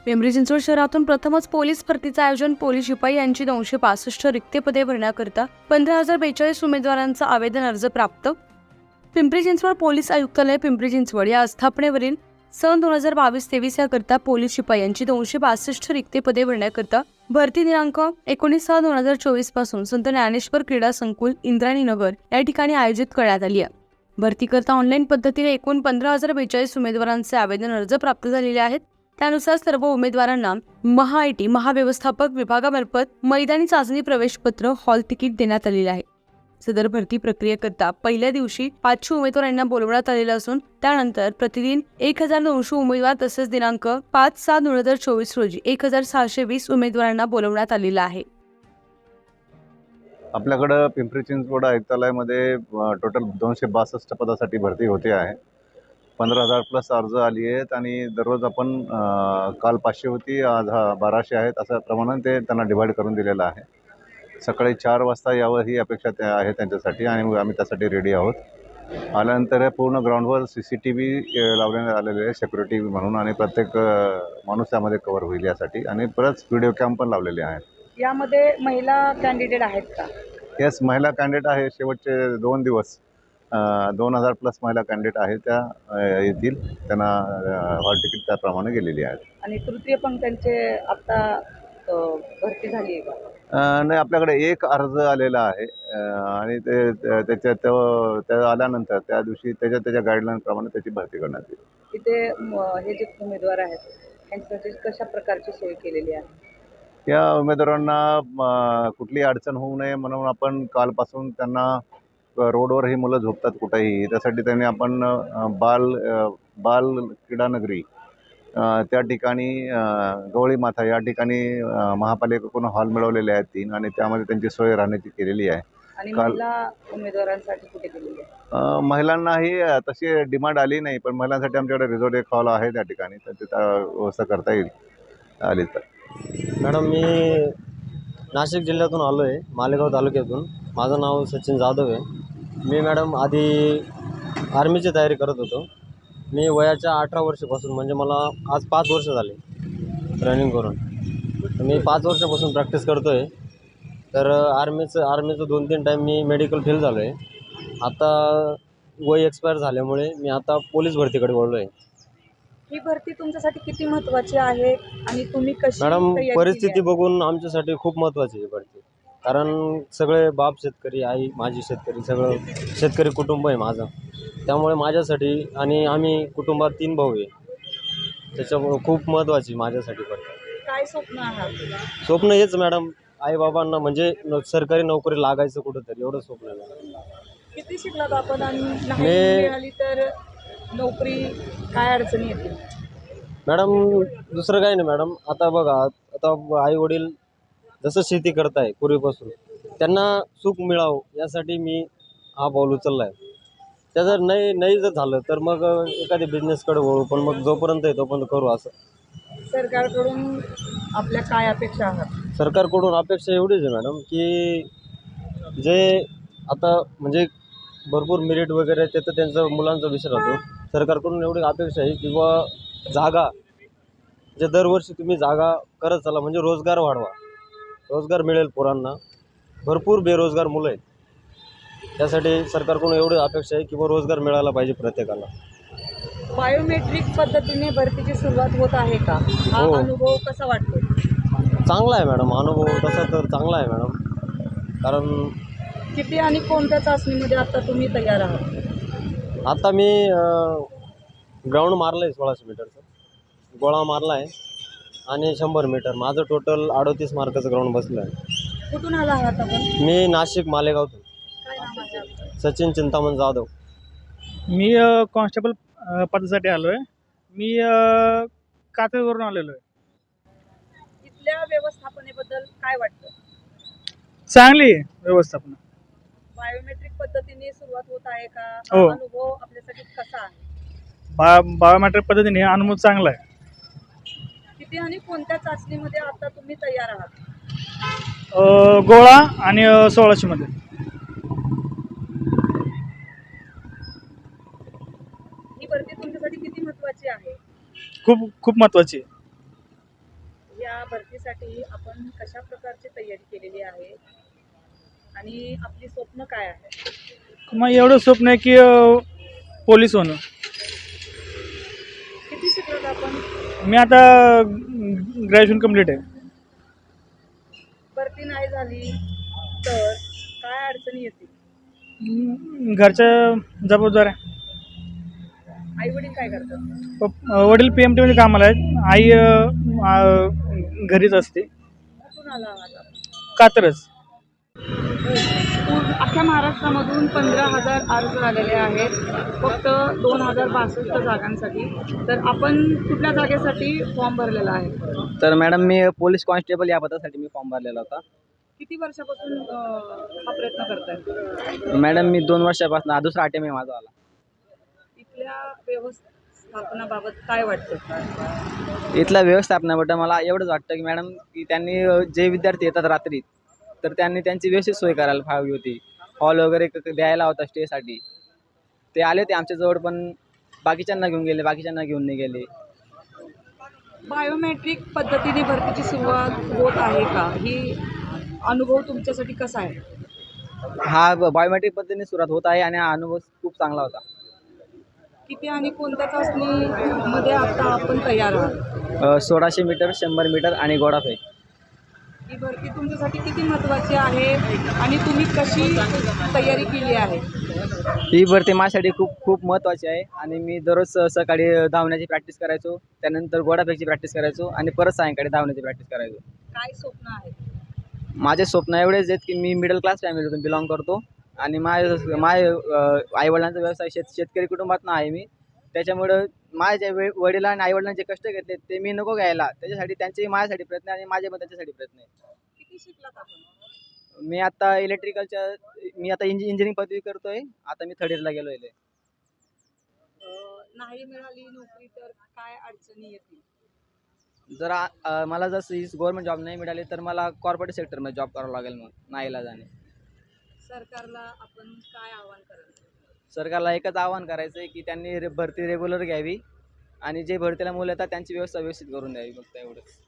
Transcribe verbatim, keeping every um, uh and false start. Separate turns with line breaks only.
पिंपरी चिंचवड शहरातून प्रथमच पोलीस भरतीचं आयोजन. पोलीस शिपाई यांची दोनशे पासष्ट रिक्त पदे भरण्याकरता पंधरा हजार बेचाळीस उमेदवारांचा आवेदन अर्ज प्राप्त. पिंपरी चिंचवड पोलीस आयुक्तालय पिंपरी चिंचवड या आस्थापनेवरील सन दोन हजार बावीस तेवीस याकरता पोलीस शिपाई यांची दोनशे पासष्ट रिक्त पदे भरण्याकरता भरती दिनांक एकोणीस सहा दोन हजार चोवीस पासून संत ज्ञानेश्वर क्रीडा संकुल इंद्रायणी नगर या ठिकाणी आयोजित करण्यात आली आहे. भरतीकरता ऑनलाईन पद्धतीने एकूण पंधरा हजार बेचाळीस उमेदवारांचे आवेदन अर्ज प्राप्त झालेले आहेत. त्यानुसार सर्व उमेदवारांना महा आय टी महाव्यवस्थापक विभागामार्फत मैदानी चाचणी प्रवेशपत्र हॉल तिकीट देण्यात आलेले आहे. सदर भरती प्रक्रियेकरता पहिल्या दिवशी पाचशे उमेदवारांना बोलवण्यात आलेलं असून त्यानंतर प्रतिदिन एक हजार दोनशे उमेदवार तसेच दिनांक पाच सहा दोन हजार चोवीस रोजी एक हजार सहाशे वीस उमेदवारांना बोलवण्यात आलेलं आहे.
आपल्याकडं पिंपरी चिंचवड आयुक्तालयामध्ये टोटल दोनशे बासष्ट पदासाठी भरती होते आहे. पंधरा हजार प्लस अर्ज आली आहेत आणि दररोज आपण काल पाचशे होती, आज हा बाराशे आहेत, असं प्रमाणात ते त्यांना डिवाईड करून दिलेलं आहे. सकाळी चार वाजता यावं ही अपेक्षा त्या आहे त्यांच्यासाठी आणि आम्ही त्यासाठी रेडी आहोत. आल्यानंतर पूर्ण ग्राउंडवर सी सी टी व्ही लावण्यात आलेले आहे सिक्युरिटी म्हणून आणि प्रत्येक माणूस त्यामध्ये कव्हर होईल यासाठी आणि परत व्हिडिओ कॅम्प पण लावलेले आहेत.
यामध्ये महिला कॅन्डिडेट आहेत का?
येस, महिला कॅन्डिडेट आहे. शेवटचे दोन दिवस दोन हजार प्लस महिला कॅन्डिडेट आहेत, त्या येतील. त्यांना हॉल तिकीट त्याप्रमाणे गेलेली आहेत. आणि
तृतीय पंक्तींचे आता भरती झाली आहे का?
नाही, आपल्याकडे एक अर्ज आलेला आहे आणि ते त्याच्या त्या आल्यानंतर त्या दिवशी त्याच्या त्याच्या गाईडलाईनप्रमाणे त्याची भरती करण्यात येईल.
इथे हे जे उमेदवार आहेत त्यांच्यासाठी कशा प्रकारची सोय केलेली आहे?
या उमेदवारांना कुठली अडचण होऊ नये म्हणून आपण कालपासून त्यांना रोडवर ही मुलं झोपतात कुठेही, त्यासाठी त्यांनी आपण बाल बाल क्रीडानगरी त्या ठिकाणी गवळी माथा या ठिकाणी महापालिकेकडून हॉल मिळवलेले आहेत तीन आणि त्यामध्ये त्यांची सोय राहण्याची केलेली आहे.
आणि महिला उमेदवारांसाठी कुठे केलेली आहे?
महिलांनाही तशी डिमांड आली नाही, पण महिलांसाठी आमच्याकडे रिझॉर्ट एक हॉल आहे त्या ठिकाणी, तर तिथं व्यवस्था करता येईल आली तर.
मॅडम, मी नाशिक जिल्ह्यातून आलो आहे, मालेगाव तालुक्यातून. माझं नाव सचिन जाधव आहे. मी मॅडम आधी आर्मीची तयारी करत होतो. मी वयाच्या अठरा वर्षापासून, म्हणजे मला आज पाच वर्ष झाले रनिंग करून. मी पाच वर्षापासून प्रॅक्टिस करतो आहे. तर आर्मीचं आर्मीचं दोन तीन टाईम मी मेडिकल फेल झालो आहे. आता वय एक्सपायर झाल्यामुळे मी आता पोलीस भरतीकडे वळलो आहे.
ही भरती तुमच्यासाठी किती महत्त्वाची आहे आणि तुम्ही कशी?
मॅडम, परिस्थिती बघून आमच्यासाठी खूप महत्त्वाची आहे भरती. कारण सगळे बाप शेतकरी, आई माझी शेतकरी, सगळं शेतकरी कुटुंब आहे माझं. त्यामुळे माझ्यासाठी आणि आम्ही कुटुंबात तीन भाऊ आहे, त्याच्यामुळे खूप महत्त्वाची माझ्यासाठी भरती.
काय स्वप्न आहे?
स्वप्न हेच मॅडम, आईबाबांना म्हणजे सरकारी नोकरी लागायचं कुठंतरी, एवढं स्वप्न आहे.
किती शिकलात आपण आणि नाही मिळाली तर नोकरी काय अडचणी येतील?
मॅडम, दुसरं काही नाही मॅडम. आता बघा, आता आई वडील जसं शेती करताय पूर्वीपासून, त्यांना सुख मिळावं यासाठी मी हा पाऊल उचलला आहे. त्या जर नाही नाही जर झालं तर मग एखाद्या बिझनेसकडे वळू, पण मग जोपर्यंत आहे तोपर्यंत करू. असं
सरकारकडून आपल्या काय अपेक्षा आहेत?
सरकारकडून अपेक्षा एवढीच आहे मॅडम, की जे आता म्हणजे भरपूर मेरिट वगैरे ते तर त्यांचं मुलांचा विषय राहतो. सरकारकडून एवढी अपेक्षा आहे की बा जागा जे दरवर्षी तुम्ही जागा करत चला, म्हणजे रोजगार वाढवा, रोजगार मिळेल पोरांना. भरपूर बेरोजगार मुलं आहेत, त्यासाठी सरकारकडून एवढी अपेक्षा आहे की बा रोजगार मिळाला पाहिजे प्रत्येकाला.
बायोमेट्रिक पद्धतीने भरतीची सुरुवात होत आहे का? हा
हो.
अनुभव कसा वाटतो?
चांगला आहे मॅडम, अनुभव तसा तर चांगला आहे मॅडम. कारण
किती आणि कोणत्या चाचणीमध्ये आता तुम्ही तयार आहात?
आता मी ग्राउंड मारलं आहे सोळाशे मीटरचं, गोळा मारला आहे आणि शंभर मीटर. माझं टोटल अडतीस मार्काचं ग्राउंड बसलं आहे.
कुठून आला आहात आपण?
मी नाशिक मालेगावतून.
काय नाव आहे आपलं?
सचिन चिंतामण जाधव.
मी कॉन्स्टेबल पदासाठी आलो आहे. मी कात्रजवरून आलेलो आहे.
इथल्या व्यवस्थापनेबद्दल काय वाटतं?
चांगली आहे व्यवस्थापन.
बायोमेट्रिक पद्धतीने सुरुवात होत आहे का?
हो.
हा अनुभव आपल्यासाठी कसा आहे?
बा बायोमेट्रिक पद्धतीने अनुभव चांगला आहे.
किती आणि कोणत्या चाचणीमध्ये आता तुम्ही तयार आहात?
अ, गोळा आणि सोळाशे मध्ये.
ही भरती तुमच्यासाठी किती महत्त्वाची आहे?
खूप खूप महत्त्वाची आहे.
या भरतीसाठी आपण कशा प्रकारची तयारी केलेली आहे आणि आपली स्वप्न काय आहे?
मग एवढं स्वप्न आहे की अ, पोलीस होणं.
किती शिकलात आपण?
मी आता ग्रॅज्युएशन कंप्लीट आहे.
भरती नाही झाली तर काय अडचणी येतील?
हम्म, घरच्या जबाबदाऱ्या.
आई वडील काय करतात?
पप- अ, वडील पी एम टीमध्ये कामाला आहेत. आई अ, अ, घरीच असते.
कुठून आला आहात आपण?
कात्रज.
पूर्ण अख्ख्या महाराष्ट्रामधून पंधरा हजार अर्ज आलेले आहेत फक्त दोन हजार बासष्ट जागांसाठी. तर आपण कुठल्या जागेसाठी फॉर्म भरलेला आहे?
तर मॅडम मी पोलीस कॉन्स्टेबल या पदासाठी मी फॉर्म भरलेला होता.
किती वर्षापासून अं, हा प्रयत्न करताय?
मॅडम मी दोन वर्षापासून हा दुसरा अटेम्प्ट आहे माझा आला.
इथल्या व्यवस्थापनाबाबत काय वाटतं?
इथल्या व्यवस्थापनाबद्दल मला एवढंच वाटतं की मॅडम की त्यांनी अ, जे विद्यार्थी येतात रात्री तर त्यांनी त्यांची व्यवस्थित सोय करायला हवी होती. हॉल वगैरे क- क- द्यायला होता स्टेसाठी. ते आले ते आमच्याजवळ पण बाकीच्यांना घेऊन गेले बाकीच्यांना घेऊन नाही गेले.
बायोमेट्रिक पद्धतीने भरतीची सुरुवात होत आहे का? ही अनुभव तुमच्यासाठी कसा आहे?
हा बायोमेट्रिक पद्धतीने सुरुवात होत आहे आणि हा अनुभव खूप चांगला होता.
किती आणि कोणत्या चाचणीमध्ये आता आपण तयार आहात?
अ, सोळाशे मीटर शंभर मीटर आणि गोडाफेक.
ही भरती तुमच्यासाठी किती महत्त्वाची आहे आणि तुम्ही कशी तयारी केली आहे?
ही भरती माझ्यासाठी खूप खूप महत्त्वाची आहे आणि मी दररोज स- सकाळी धावण्याची प्रॅक्टिस करायचो. त्यानंतर गोडाफेकची प्रॅक्टिस करायचो आणि परत सायंकाळी धावण्याची प्रॅक्टिस करायचो.
काय स्वप्न आहे?
माझे स्वप्न एवढेच आहेत की मी मिडल क्लास फॅमिलीतून बिलॉंग करतो आणि माझे माझे आईवडिलांचा व्यवसाय शेत शेतकरी कुटुंबातून आहे मी. त्याच्यामुळं माझ्या वे वडिलांनी आणि आईवडिलांनी जे कष्ट घेतले ते मी नको घ्यायला. त्याच्यासाठी त्यांचेही माझ्यासाठी प्रयत्न आहे आणि माझे पण त्यांच्यासाठी प्रयत्न आहे.
किती शिकलात आपण?
मी आता इलेक्ट्रिकलच्या मी आता इंजि इंजिनिअरिंग पदवी करतो आहे. आता मी थर्ड इयरला गेलो आहे.
अं, नाही मिळाली नोकरी तर काय अडचणी येतील?
जर आ- अ, मला जर गव्हर्नमेंट जॉब नाही मिळाली तर मला कॉर्पोरेट सेक्टरमध्ये जॉब करावं लागेल मग नाईलाजाने.
सरकारला आपण काय आवाहन कराल?
सरकारला एकच आवाहन करायचं आहे की त्यांनी रे भरती रेग्युलर घ्यावी आणि जे भरतीला मुलं येतात त्यांची व्यवस्था व्यवस्थित करून द्यावी फक्त एवढंच.